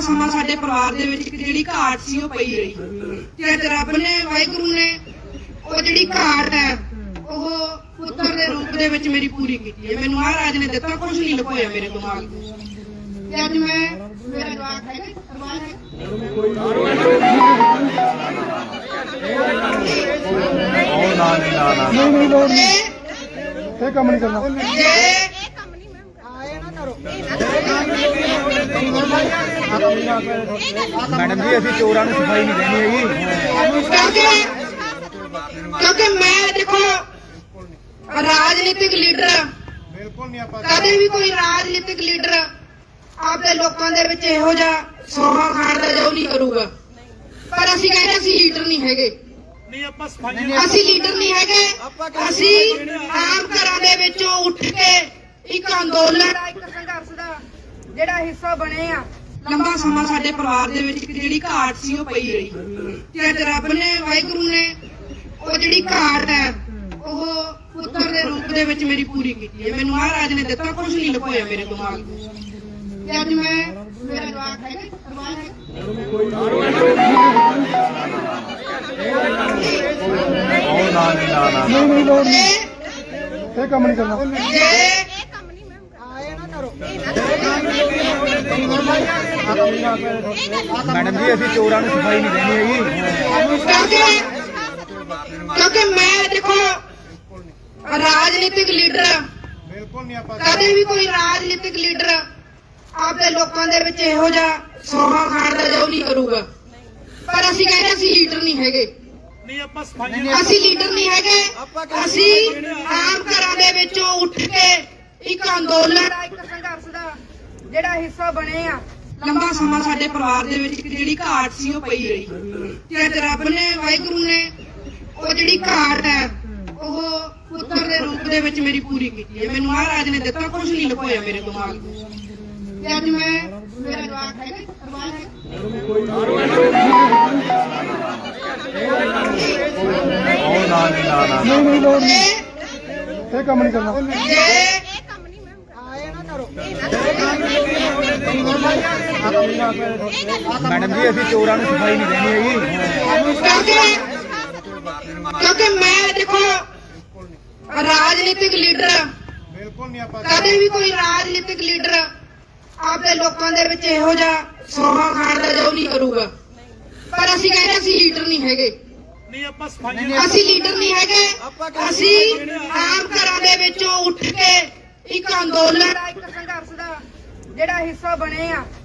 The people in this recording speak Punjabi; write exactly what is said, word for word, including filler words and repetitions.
ਸਮਾਂ ਸਾਡੇ ਪਰਿਵਾਰ ਦੇ ਵਿੱਚ ਇੱਕ ਜਿਹੜੀ ਘਾਟ ਸੀ ਉਹ ਪਈ ਰਹੀ ਤੇ ਅੱਜ ਰੱਬ ਨੇ ਵਾਹਿਗੁਰੂ ਨੇ ਉਹ ਜਿਹੜੀ ਘਾਟ ਹੈ ਉਹ ਪੁੱਤਰ ਦੇ ਰੂਪ ਦੇ ਵਿੱਚ ਮੇਰੀ ਪੂਰੀ ਕੀਤੀ ਹੈ। ਮੈਨੂੰ ਮਹਾਰਾਜ ਨੇ ਦਿੱਤਾ, ਕੁਝ ਨਹੀਂ ਲੁਕੋਇਆ ਮੇਰੇ ਦਿਮਾਗ ਤੋਂ। ਤੇ ਅੱਜ ਮੈਂ ਮੇਰਾ ਜਵਾਬ ਹੈ ਅਰਮਾਨ ਹੈ ਉਹ ਨਾ ਨਹੀਂ ਨਾ ਨਾ ਨਹੀਂ ਨਹੀਂ ਲੋੜ ਨਹੀਂ, ਇਹ ਕੰਮ ਨਹੀਂ ਕਰਨਾ। ਮੈਡਮ ਜੀ ਅਸੀਂ ਚੋਰਾਂ ਨੂੰ ਸਫਾਈ ਨਹੀਂ ਦੇਣੀ ਹੈਗੀ, ਕਿਉਂਕਿ ਕਿਉਂਕਿ ਮੈਂ ਦੇਖੋ ਰਾਜਨੀਤਿਕ ਲੀਡਰ ਬਿਲਕੁਲ ਨਹੀਂ ਆਪਾਂ ਕਦੇ ਵੀ ਕੋਈ ਰਾਜਨੀਤਿਕ ਲੀਡਰ ਆਪਦੇ ਲੋਕਾਂ ਦੇ ਵਿੱਚ ਇਹੋ ਜਿਹਾ ਸੋਹਾ ਖਾਣ ਦਾ ਜੋ ਨਹੀਂ ਕਰੂਗਾ। ਪਰ ਅਸੀਂ ਕਹਿੰਦੇ ਅਸੀਂ ਲੀਡਰ ਨਹੀਂ ਹੈਗੇ, ਨਹੀਂ ਆਪਾਂ ਸਫਾਈ ਅਸੀਂ ਲੀਡਰ ਨਹੀਂ ਹੈਗੇ। ਅਸੀਂ ਆਮ ਘਰਾਂ ਦੇ ਵਿੱਚੋਂ ਉੱਠ ਕੇ ਇੱਕ ਅੰਦੋਲਨ ਦਾ, ਇੱਕ ਸੰਘਰਸ਼ ਦਾ ਜਿਹੜਾ ਹਿੱਸਾ ਬਣੇ ਆ। ਲੰਬਾ ਸਮਾਂ ਸਾਡੇ ਪਰਿਵਾਰ ਦੇ ਵਿੱਚ ਇੱਕ ਜਿਹੜੀ ਘਾਟ ਸੀ ਉਹ ਪਈ ਰਹੀ ਤੇ ਅੱਜ ਰੱਬ ਨੇ ਵਾਹਿਗੁਰੂ ਨੇ ਉਹ ਜਿਹੜੀ ਘਾਟ ਹੈ ਉਹ ਪੁੱਤਰ ਦੇ ਰੂਪ ਦੇ ਵਿੱਚ ਮੇਰੀ ਪੂਰੀ ਕੀਤੀ ਹੈ। ਮੈਨੂੰ ਮਹਾਰਾਜ ਨੇ ਦਿੱਤਾ, ਕੁਝ ਨਹੀਂ ਲੁਕੋਇਆ ਮੇਰੇ ਦਿਮਾਗ ਤੋਂ। ਤੇ ਅੱਜ ਮੈਂ ਮੇਰਾ ਜਵਾਬ ਹੈ ਅਰਮਾਨ ਹੈ ਉਹ ਨਾ ਨਹੀਂ ਨਾ ਨਾ ਨਹੀਂ ਨਹੀਂ ਲੋੜ ਨਹੀਂ, ਇਹ ਕੰਮ ਨਹੀਂ ਕਰਨਾ। ਮੈਡਮ ਜੀ ਅਸੀਂ ਚੋਰਾਂ ਨੂੰ ਸਫਾਈ ਨਹੀਂ ਦੇਣੀ ਹੈਗੀ, ਕਿਉਂਕਿ ਕਿਉਂਕਿ ਮੈਂ ਦੇਖੋ ਰਾਜਨੀਤਿਕ ਲੀਡਰ ਬਿਲਕੁਲ ਨਹੀਂ ਆਪਾਂ ਕਦੇ ਵੀ ਕੋਈ ਰਾਜਨੀਤਿਕ ਲੀਡਰ ਆਪਦੇ ਲੋਕਾਂ ਦੇ ਵਿੱਚ ਇਹੋ ਜਿਹਾ ਸੋਹਾ ਖਾਣ ਦਾ ਜੋ ਨਹੀਂ ਕਰੂਗਾ। ਪਰ ਅਸੀਂ ਕਹਿੰਦੇ ਅਸੀਂ ਲੀਡਰ ਨਹੀਂ ਹੈਗੇ, ਨਹੀਂ ਆਪਾਂ ਸਫਾਈ ਅਸੀਂ ਲੀਡਰ ਨਹੀਂ ਹੈਗੇ। ਅਸੀਂ ਆਮ ਘਰਾਂ ਦੇ ਵਿੱਚੋਂ ਉੱਠ ਕੇ ਇੱਕ ਅੰਦੋਲਨ ਦਾ, ਇੱਕ ਸੰਘਰਸ਼ ਦਾ ਜਿਹੜਾ ਹਿੱਸਾ ਬਣੇ ਆ। ਲੰਬਾ ਸਮਾਂ ਸਾਡੇ ਪਰਿਵਾਰ ਦੇ ਵਿੱਚ ਇੱਕ ਜਿਹੜੀ ਘਾਟ ਸੀ ਉਹ ਪਈ ਰਹੀ ਤੇ ਅੱਜ ਰੱਬ ਨੇ ਵਾਹਿਗੁਰੂ ਨੇ ਉਹ ਜਿਹੜੀ ਘਾਟ ਹੈ ਉਹ ਪੁੱਤਰ ਦੇ ਰੂਪ ਦੇ ਵਿੱਚ ਮੇਰੀ ਪੂਰੀ ਕੀਤੀ ਹੈ। ਮੈਨੂੰ ਮਹਾਰਾਜ ਨੇ ਦਿੱਤਾ, ਕੁਝ ਨਹੀਂ ਲੁਕੋਇਆ ਮੇਰੇ ਦਿਮਾਗ ਤੋਂ। ਤੇ ਅੱਜ ਮੈਂ ਮੇਰਾ ਜਵਾਬ ਹੈ ਅਰਮਾਨ ਹੈ ਉਹ ਨਾ ਨਹੀਂ ਨਾ ਨਾ ਨਹੀਂ ਨਹੀਂ ਲੋੜ ਨਹੀਂ, ਇਹ ਕੰਮ ਨਹੀਂ ਕਰਨਾ। ਮੈਡਮ ਜੀ ਅਸੀਂ ਚੋਰਾਂ ਨੂੰ ਸਫਾਈ ਨਹੀਂ ਦੇਣੀ ਹੈਗੀ, ਕਿਉਂਕਿ ਕਿਉਂਕਿ ਮੈਂ ਦੇਖੋ ਰਾਜਨੀਤਿਕ ਲੀਡਰ ਬਿਲਕੁਲ ਨਹੀਂ ਆਪਾਂ ਕਦੇ ਵੀ ਕੋਈ ਰਾਜਨੀਤਿਕ ਲੀਡਰ ਆਪਦੇ ਲੋਕਾਂ ਦੇ ਵਿੱਚ ਇਹੋ ਜਿਹਾ ਸੋਹਾ ਖਾਣ ਦਾ ਜੋ ਨਹੀਂ ਕਰੂਗਾ। ਪਰ ਅਸੀਂ ਕਹਿੰਦੇ ਅਸੀਂ ਲੀਡਰ ਨਹੀਂ ਹੈਗੇ, ਨਹੀਂ ਆਪਾਂ ਸਫਾਈ ਅਸੀਂ ਲੀਡਰ ਨਹੀਂ ਹੈਗੇ। ਅਸੀਂ ਆਮ ਘਰਾਂ ਦੇ ਵਿੱਚੋਂ ਉੱਠ ਕੇ ਇੱਕ ਅੰਦੋਲਨ ਦਾ, ਇੱਕ ਸੰਘਰਸ਼ ਦਾ ਜਿਹੜਾ ਹਿੱਸਾ ਬਣੇ ਆ।